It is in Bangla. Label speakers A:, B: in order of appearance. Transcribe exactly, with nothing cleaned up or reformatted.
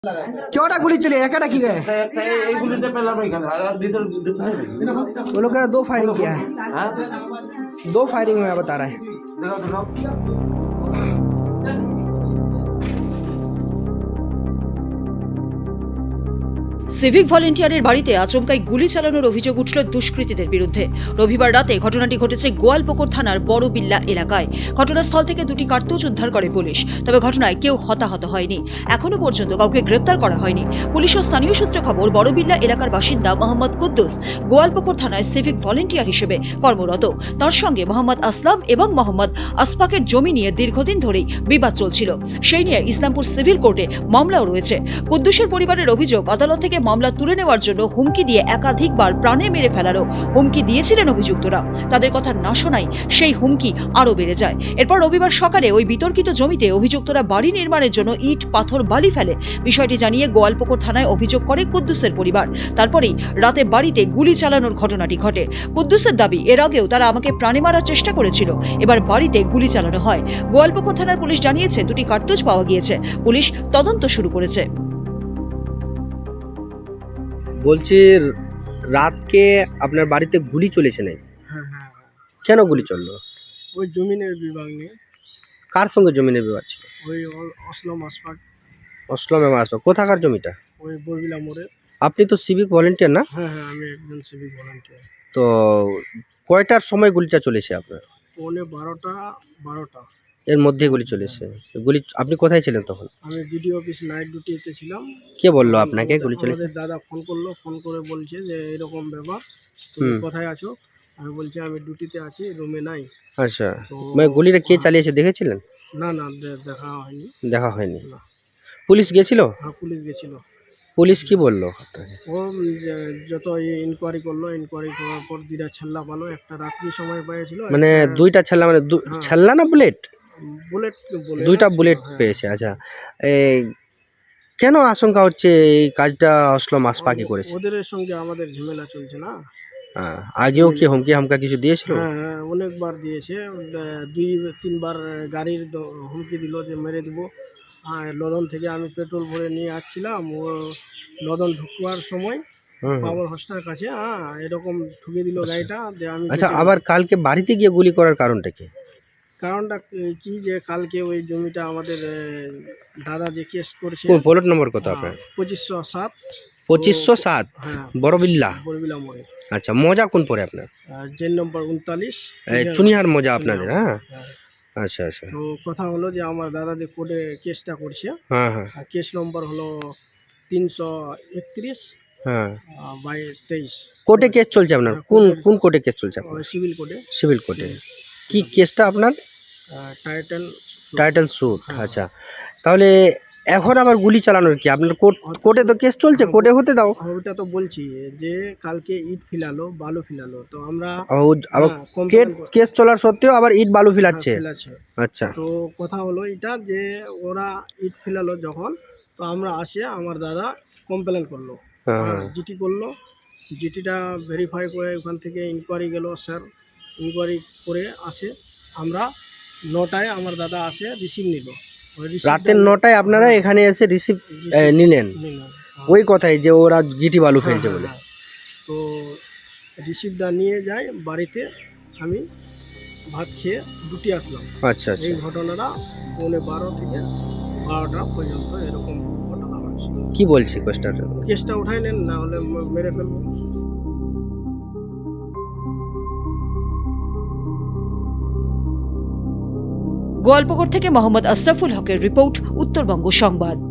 A: কটা গুলি चले एक की गए वो लोग दो फायरिंग किया है दो फायरिंग में बता रहा है
B: সিভিক ভলেন্টিয়ারের বাড়িতে আচমকাই গুলি চালানোর অভিযোগ উঠল দুষ্কৃতীদের বিরুদ্ধে। রবিবার রাতে ঘটনাটি ঘটেছে গোয়ালপুকুর থানার বড়বিল্লা এলাকায়। ঘটনাস্থল থেকে দুটি কার্তুজ উদ্ধার করে পুলিশ, তবে ঘটনায় কেউ হতাহত হয়নি। এখনো পর্যন্ত কাউকে গ্রেপ্তার করা হয়নি। পুলিশ ও স্থানীয় সূত্রে খবর, বড়বিল্লা এলাকার বাসিন্দা মোহাম্মদ কুদ্দুস গোয়ালপুকুর থানায় সিভিক ভলেন্টিয়ার হিসেবে কর্মরত। তার সঙ্গে মোহাম্মদ আসলাম এবং মোহাম্মদ আসফাকের জমি নিয়ে দীর্ঘদিন ধরেই বিবাদ চলছিল। সেই নিয়ে ইসলামপুর সিভিল কোর্টে মামলাও রয়েছে। কুদ্দুসের পরিবারের অভিযোগ, আদালত থেকে মামলা তুলে নেওয়ার জন্য হুমকি দিয়ে একাধিকবার প্রাণে মেরে ফেলারও হুমকি দিয়েছিলেন অভিযুক্তরা। তাদের কথা না শোনায় সেই হুমকি আরো বেড়ে যায়। এরপর রবিবার সকালে ওই বিতর্কিত জমিতে অভিযুক্তরা বাড়ি নির্মাণের জন্য ইট পাথর বালি ফেলে। বিষয়টি জানিয়ে গোয়ালপুকুর থানায় অভিযোগ করে কুদ্দুসের পরিবার। তারপরেই রাতে বাড়িতে গুলি চালানোর ঘটনাটি ঘটে। কুদ্দুসের দাবি, এর আগেও তারা আমাকে প্রাণে মারার চেষ্টা করেছিল, এবার বাড়িতে গুলি চালানো হয়। গোয়ালপুকুর থানার পুলিশ জানিয়েছে দুটি কার্তুজ পাওয়া গিয়েছে। পুলিশ তদন্ত শুরু করেছে।
A: বলছি রাতকে আপনার বাড়িতে গুলি চলেছে নাকি?
C: হ্যাঁ হ্যাঁ
A: কেন গুলি চললো?
C: ওই জমিনের বিভাগ নিয়ে।
A: কার সঙ্গে জমিনের বিবাদ ছিল?
C: ওই অ- অসলম আসফাক,
A: অসলামে মাসো কোথাকার জমিটা?
C: ওই বরবিলা মোড়ে।
A: আপনি তো সিভিক ভলেন্টিয়ার না?
C: হ্যাঁ হ্যাঁ আমি একজন সিভিক ভলান্টিয়ার।
A: তো কয়টার সময় গুলিটা চলেছে আপনার?
C: পৌনে বারোটা বারোটা
A: এর মধ্যে গুলি চলেছে। গুলি আপনি কোথায় ছিলেন তখন?
C: আমি বিডিও অফিস নাইট ডিউটিতে ছিলাম।
A: কে বললো আপনাকে গুলি চলেছে?
C: আমাদের দাদা ফোন করলো, ফোন করে বলছে যে এরকম ব্যাপার, তুমি
A: হুম।
C: কোথায় আছো? আমি বলছি আমি ডিউটিতে আছি, রুমে নাই।
A: আচ্ছা,
C: তো-
A: মানে গুলিটা কে চালিয়েছে দেখেছিলেন?
C: না না দে- দেখা হয়নি।
A: দেখা হয়নি।
C: না।
A: পুলিশ গেছিল?
C: হ্যাঁ পুলিশ গেছিল।
A: পুলিশ কি বললো আপনাকে?
C: ও উম, যে- যত ইনকোয়ারি করলো, ইনকোয়ারি করার পর দুইটা ছেল্লা পালো, একটা রাত্রি সময় পেয়েছিল,
A: মানে
C: একটা
A: দুইটা ছেল্লা, মানে দু-
C: হ্যাঁ।
A: ছেল্লা না বুলেট?
C: বুলেট বুলেট
A: দুইটা
C: ছিল,
A: বুলেট
C: হ্যাঁ।
A: পেয়েছে। আচ্ছা, এই কেন আশঙ্কা হচ্ছে এই কাজটা আসলাম আসফাকি করেছে?
C: ওদের সঙ্গে আমাদের ঝামেলা চলছে না।
A: হ্যাঁ, আগেও কি হুমকি হামকা কিছু দিয়েছিল?
C: হ্যাঁ হ্যাঁ অনেকবার দিয়েছে, আহ, দুই তিনবার গাড়ির দ- হুমকি দিল যে মেরে দিব। আর লদন থেকে আমি পেট্রোল ভরে নিয়ে আসছিলাম, ও লদন ঢুকবার সময়
A: হুম, হুম।
C: পাওয়ার হোস্টার কাছে হ্যাঁ এরকম ঠুকে দিল গাড়িটা, যে আমি
A: আচ্ছা,
C: বেঁচে-
A: আবার কালকে বাড়িতে গিয়ে গুলি করার কারণটা কি?
C: কারণটা কি- কি যে কালকে ওই জমিটা আমাদের আহ, দাদা যে কেস করছে,
A: কোন প্লট নম্বর কত আপনার?
C: পঁচিশশো সাত
A: পঁচিশশো সাত
C: হ্যাঁ
A: বড়বিল্লা।
C: বরবিলা মোড়ে।
A: আচ্ছা, মজা কোন পরে আপনার?
C: জেন নম্বর উনতাল্লিশ।
A: এই চুনিহার মজা আপনাদের? হ্যাঁ,
C: হ্যাঁ।
A: আচ্ছা আচ্ছা,
C: তো কথা হলো যে আমার দাদা যে কোর্টে কেসটা করছে,
A: হ্যাঁ হ্যাঁ
C: আর কেস নম্বর হলো তিনশো একত্রিশ
A: হ্যাঁ।
C: বাই তেইশ।
A: কোর্টে কেস চলছে আপনার? কোন কোন কোর্টে কেস চলছে আপনার?
C: সিভিল কোর্টে
A: সিভিল কোর্টে। কি কেসটা আপনার?
C: টাইটেল।
A: Title suit.
C: হ্যাঁ।
A: আচ্ছা, তাহলে এখন আবার গুলি চালানোর কি? আপনার কোর্ট কোর্টে তো কেস চলছে, কোর্টে হতে দাও।
C: ওটা তো বলছি যে কালকে ইট ফিলালো, বালু ফিলালো, তো আমরা
A: ও- আবার
C: হ্যাঁ, complain
A: কেস
C: কর-
A: কেস চলার সত্ত্বেও আবার ইট বালু ফিলাচ্ছে?
C: ফেলাছে।
A: আচ্ছা,
C: তো কথা হলো এটা যে ওরা ইট ফেলালো যখন, তো আমরা আসে আমার দাদা কমপ্লেন করলো,
A: হ্যাঁ।
C: জিটি করলো। জিটিটা ভেরিফাই করে ওখান থেকে ইনকোয়ারি গেল, স্যার ইনকোয়ারি করে আসে। আমরা নটায় আমার দাদা আসে, রিসিভ নিল। ওই receipt
A: রাতের
C: টা-
A: নটায় আপনারা এখানে এসে রিসিভ
C: receipt
A: নিলেন?
C: নিল, হ্যাঁ।
A: ওই কথাই যে ওরা গিটি বালু ফেলছে
C: হ্যাঁ,
A: বলে?
C: হ্যাঁ, হ্যাঁ। তো রিসিপ্টটা নিয়ে যাই বাড়িতে, আমি ভাত খেয়ে দুটি আসলাম।
A: আচ্ছা আচ্ছা,
C: এই ঘটনাটা পৌনে বারো থেকে বারোটা পর্যন্ত এরকম ঘটনা হয়েছে।
A: কি বলছি কোয়েস্টার?
C: কেসটা উঠাই নেন, না হলে ম- মেরে ফেলবো।
B: গোয়ালপুকুর থেকে মোহাম্মদ আশরাফুল হকের রিপোর্ট, উত্তরবঙ্গ সংবাদ।